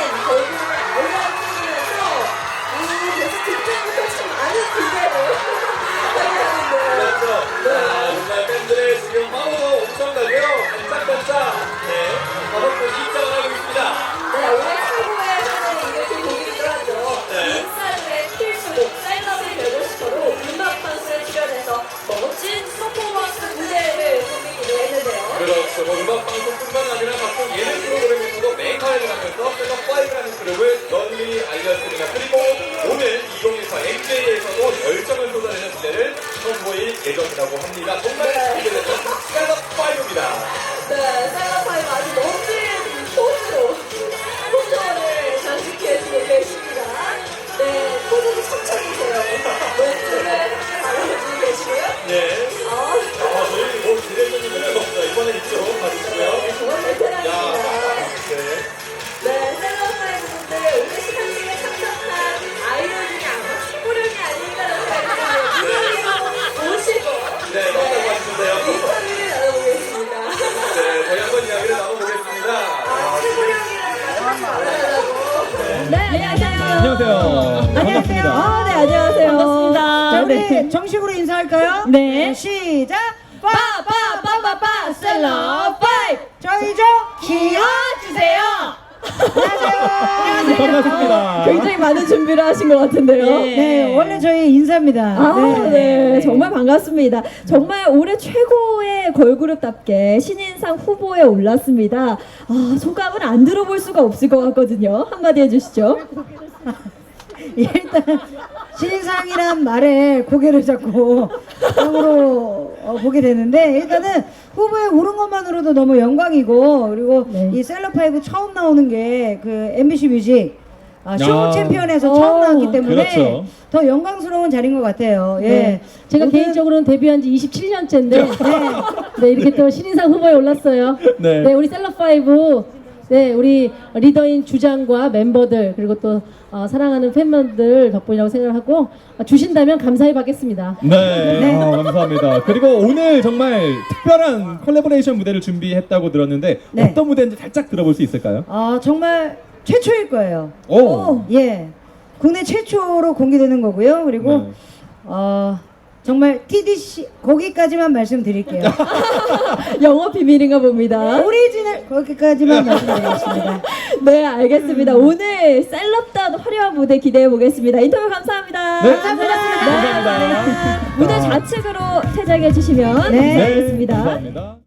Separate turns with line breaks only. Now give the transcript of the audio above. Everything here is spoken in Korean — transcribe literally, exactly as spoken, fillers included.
걸그룹을 알려주면서 이 게스트 때부터 참 많은 기대를 하게 하는데요.
그렇죠. 자, 정말 팬들의 지금 파워가 엄청나고요. 반짝반짝, 네, 다섯 분이 입장을 하고 있습니다.
네, 오늘 최고의 하나의 이벤트 곡이기도 하죠.
네.
인싸들의 필수곡, 셀럽의 별도시터로 음악방송에 출연해서 멋진 퍼포먼스 무대를 꾸미기도 했는데요.
그렇죠. 뭐 음악 방송뿐만 아니라 각종 예능 프로그램에서도 맹활약을 하면서 셀럽파이브라는 그룹을 널리 알렸습니다. 그리고 오늘 이천이십사 엠제이에서도 열정을 쏟아내는 무대를 선보일 예정이라고 합니다. 정말 기대되는 셀럽파이브입니다.
네, 셀럽파이브 아주 멋진 포즈로 포즈를 장식해주고 계십니다. 네, 포즈도 척척이세요. 멘트를 잘해주고 계시고요.
네.
어,
아, 저희 뭐 기대되는 노래가 없어요. 이번에 있죠. 봐주시고요.
정말
야,
베테랑입니다.
네.
네, 셀럽파이브 분들 오늘 시상식에 참석한 아이돌 중에 아마 최고령이 아닐까라는 생각이 들어요. 모시고
네, 맞다고 하시는데요.
인터뷰를 나눠보겠습니다.
네, 저희 한번 이야기를 나눠보겠습니다.
아, 최고령이라는 말을 말하라고.
네, 안녕하세요.
안녕하세요. 반갑습니다.
아, 네, 안녕하세요. 반갑습니다.
자, 우리
네.
정식으로 인사할까요?
네.
시작!
빠빠빠빠빠 셀럽파이브
저희 좀 키워주세요! 안녕하세요.
반갑습니다.
굉장히 많은 준비를 하신 것 같은데요.
네, 원래 저희 인사입니다.
아, 네. 정말 반갑습니다. 정말 올해 최고의 걸그룹답게 신인상 후보에 올랐습니다. 아, 소감을 안 들어볼 수가 없을 것 같거든요. 한마디 해주시죠.
일단 신인상이란 말에 고개를 잡고 땅으로 어, 보게 되는데 일단은 후보에 오른 것만으로도 너무 영광이고 그리고
네.
이 셀럽파이브 처음 나오는 게 그 엠비씨 뮤직 아, 쇼
아.
챔피언에서
오,
처음 나왔기 때문에
그렇죠.
더 영광스러운 자리인 것 같아요. 예.
네. 제가
모든-
개인적으로는 데뷔한 지 이십칠 년째인데, 네. 네, 이렇게 또 신인상 후보에 올랐어요.
네.
네, 우리 셀럽파이브, 네, 우리 리더인 주장과 멤버들, 그리고 또 어, 사랑하는 팬분들 덕분이라고 생각하고, 어, 주신다면 감사히 받겠습니다.
네, 아, 감사합니다. 그리고 오늘 정말 특별한 콜라보레이션 무대를 준비했다고 들었는데
네.
어떤 무대인지 살짝 들어볼 수 있을까요?
아, 정말 최초일 거예요.
오,
예. 국내 최초로 공개되는 거고요. 그리고
네.
어, 정말 티디씨 거기까지만 말씀드릴게요.
영어 비밀인가 봅니다.
오리지널 거기까지만 말씀드리겠습니다.
네, 알겠습니다. 오늘 셀럽다운 화려한 무대 기대해 보겠습니다. 인터뷰 감사합니다.
네.
감사합니다.
감사합니다.
무대 좌측으로 퇴장해 주시면
네.
감사하겠습니다.
감사합니다.